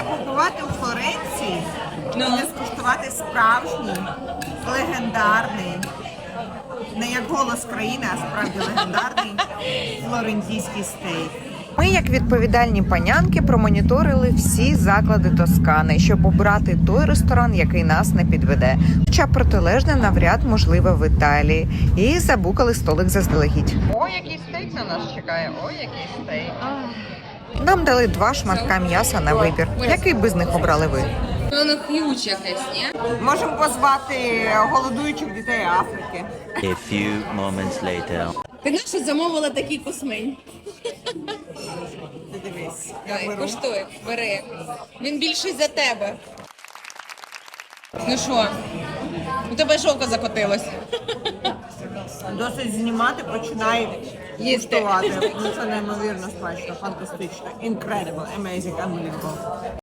побувати у Флоренції і не скуштувати справжній, легендарний, не як голос країни, а справді легендарний флорентійський стейк. Ми, як відповідальні панянки, промоніторили всі заклади Тоскани, щоб обрати той ресторан, який нас не підведе. Хоча протилежне навряд можливе в Італії. І забукали столик заздалегідь. Ой, який стейк на нас чекає, ой, який стейк. Нам дали 2 шматка м'яса на вибір. Який би з них обрали ви? Воно х'юч якесь, ні? Можемо позвати голодуючих дітей Африки. A few moments later. Ти нащо замовила такий космень? Ти дивись. Давай, коштуй, бери. Він більший за тебе. Ну що, у тебе жовка закотилась. Досить знімати, починай їстувати. Ну, це неймовірно смачно, фантастично. Incredible, amazing, unbelievable.